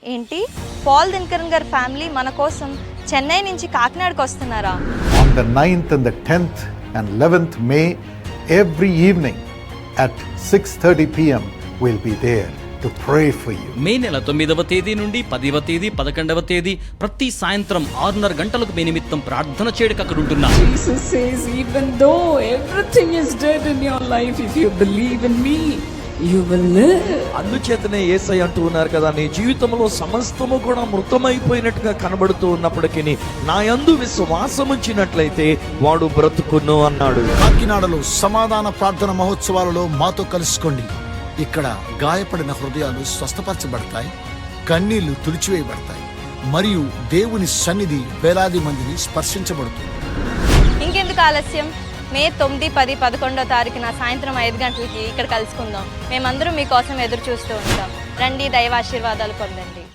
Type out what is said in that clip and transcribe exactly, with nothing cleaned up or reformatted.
ఏంటి పాల్ దినకరన్ గారి ఫ్యామిలీ మన కోసం చెన్నై నుంచి కాకినాడకు వస్తున్నారా? On the ninth and the tenth and eleventh May, every evening at six thirty p m we'll be there to pray for you. మే నెల తొమ్మిదవ తేదీ నుండి పదివ తేదీ పదకొండవ తేదీ ప్రతి సాయంత్రం ఆరున్నర గంటలకు మీ నిమిత్తం ప్రార్థన చేయడానికి అక్కడ ఉంటున్నా. Jesus says, even though everything is dead in your life, if you believe in me, you will live. అందుచేతనే యేసయ్య అంటూ ఉన్నారు కదా, నీ జీవితంలో సమస్తము కూడా మృతమైపోయినట్టుగా కనబడుతూ ఉన్నప్పటికీ నా యందు విశ్వాసం ఉంచినట్లయితే వాడు బ్రతుకును అన్నాడు. కాకినాడలో సమాధాన ప్రార్థన మహోత్సవాలలో మాతో కలుసుకోండి. ఇక్కడ గాయపడిన హృదయాలు స్వస్థపరచబడతాయి, కన్నీళ్లు తుడిచివేయబడతాయి మరియు దేవుని సన్నిధి వేలాది మందిని స్పర్శించబడుతుంది. ఇంకెందుకు ఆలస్యం? మే తొమ్మిది పది పదకొండో తారీఖున సాయంత్రం ఐదు గంటలకి ఇక్కడ కలుసుకుందాం. మేమందరం మీకోసం ఎదురు చూస్తూ ఉంటాం. రండి, దైవాశీర్వాదాలు పొందండి.